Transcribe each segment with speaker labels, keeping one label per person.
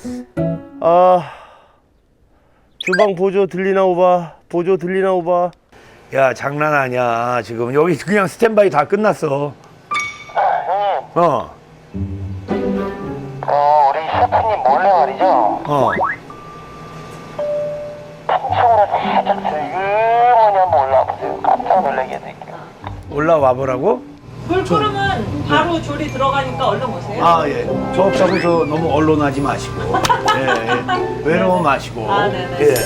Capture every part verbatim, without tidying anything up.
Speaker 1: 아, 주방 보조 들리나 오바. 보조 들리나 오바.
Speaker 2: 야, 장난 아니야. 지금 여기 그냥 스탠바이 다 끝났어.
Speaker 3: 형님,
Speaker 2: 어,
Speaker 3: 어, 우리 셰프님 몰래 말이죠.
Speaker 2: 어.
Speaker 3: 층으로 살짝 슬그머니 한번 올라와 보세요. 깜짝 놀라게 해드릴게요.
Speaker 2: 올라와 보라고?
Speaker 4: 불 끓으면 바로 조리 들어가니까 얼른 오세요.
Speaker 2: 아, 예. 저 없다고 저 너무 언론하지 마시고. 예, 예. 외로워 마시고.
Speaker 4: 아, 네네.
Speaker 2: 예.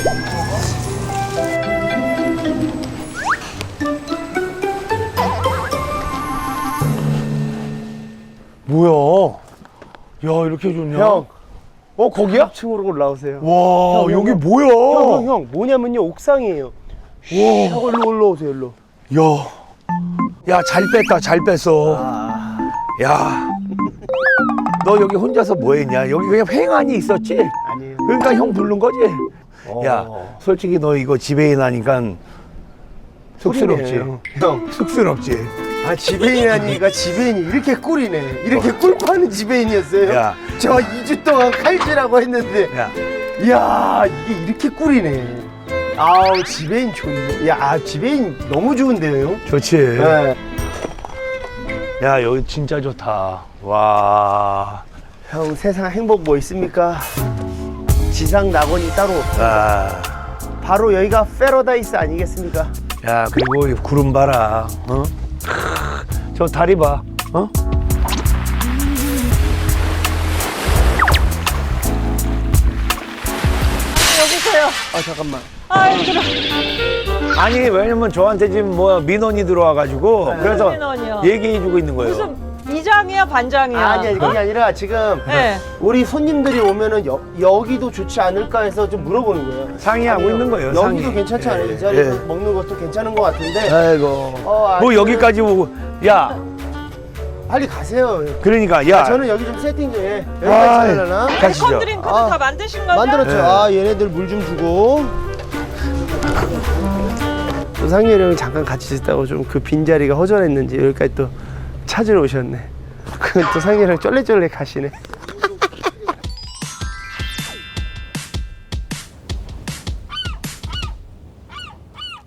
Speaker 2: 뭐야? 야, 이렇게 좋냐?
Speaker 1: 형,
Speaker 2: 어, 거기야?
Speaker 1: 층으로 올라오세요.
Speaker 2: 와,
Speaker 1: 형,
Speaker 2: 여기
Speaker 1: 형.
Speaker 2: 뭐야?
Speaker 1: 형, 형, 형, 뭐냐면요, 옥상이에요. 와, 형, 일로 올라오세요, 일로.
Speaker 2: 야, 야, 잘 뺐다, 잘 뺐어.
Speaker 1: 아,
Speaker 2: 야, 너 여기 혼자서 뭐 했냐? 여기 그냥 횡안이 있었지?
Speaker 1: 아니에요.
Speaker 2: 그러니까 형 부른 거지?
Speaker 1: 어.
Speaker 2: 야, 솔직히 너 이거 지배인 하니까 쑥스럽지?
Speaker 1: 꿀이네, 형.
Speaker 2: 쑥스럽지?
Speaker 1: 아, 지배인 하니까 지배인이 이렇게 꿀이네. 이렇게 꿀 파는 지배인이었어요.
Speaker 2: 야.
Speaker 1: 저 이 주 동안 칼질하고 했는데,
Speaker 2: 야,
Speaker 1: 이야, 이게 이렇게 꿀이네. 아우, 지배인 좋네. 야, 아, 지배인 너무 좋은데요, 형?
Speaker 2: 좋지?
Speaker 1: 네.
Speaker 2: 야, 여기 진짜 좋다. 와.
Speaker 1: 형, 세상 행복 뭐 있습니까? 지상 낙원이 따로 없어.
Speaker 2: 아.
Speaker 1: 바로 여기가 패러다이스 아니겠습니까?
Speaker 2: 야, 그리고 이 구름 봐라. 어? 크, 저 다리 봐. 어?
Speaker 4: 여기서요.
Speaker 1: 아, 잠깐만.
Speaker 4: 아, 힘들어.
Speaker 2: 아니, 왜냐면 저한테 지금 뭐 민원이 들어와가지고 그래서
Speaker 4: 민원이요?
Speaker 2: 얘기해주고 있는 거예요.
Speaker 4: 무슨 이장이야, 반장이야?
Speaker 1: 아니, 아니, 그게 아니라 지금
Speaker 4: 네.
Speaker 1: 우리 손님들이 오면은 여, 여기도 좋지 않을까 해서 좀 물어보는 거예요.
Speaker 2: 상의하고
Speaker 1: 아니요,
Speaker 2: 있는 거예요,
Speaker 1: 여기도
Speaker 2: 상의.
Speaker 1: 괜찮지 않아요?
Speaker 2: 예,
Speaker 1: 이 자리에서
Speaker 2: 예.
Speaker 1: 먹는 것도 괜찮은 것 같은데.
Speaker 2: 아이고.
Speaker 1: 어,
Speaker 2: 뭐
Speaker 1: 아직은-
Speaker 2: 여기까지 오고. 야,
Speaker 1: 빨리 가세요.
Speaker 2: 그러니까, 야.
Speaker 1: 저는 여기 좀 세팅 좀 해.
Speaker 2: 아이,
Speaker 1: 여기까지 하려나?
Speaker 2: 가시죠.
Speaker 4: 웰컴 드링크는
Speaker 1: 아.
Speaker 4: 다 만드신 거죠?
Speaker 1: 만들었죠.
Speaker 2: 네.
Speaker 1: 아, 얘네들 물 좀 주고. 또 상렬이 형이 잠깐 같이 있다고 좀 그 빈자리가 허전했는지 여기까지 또 찾으러 오셨네. 그 또 상렬이 형 쫄래쫄래 가시네.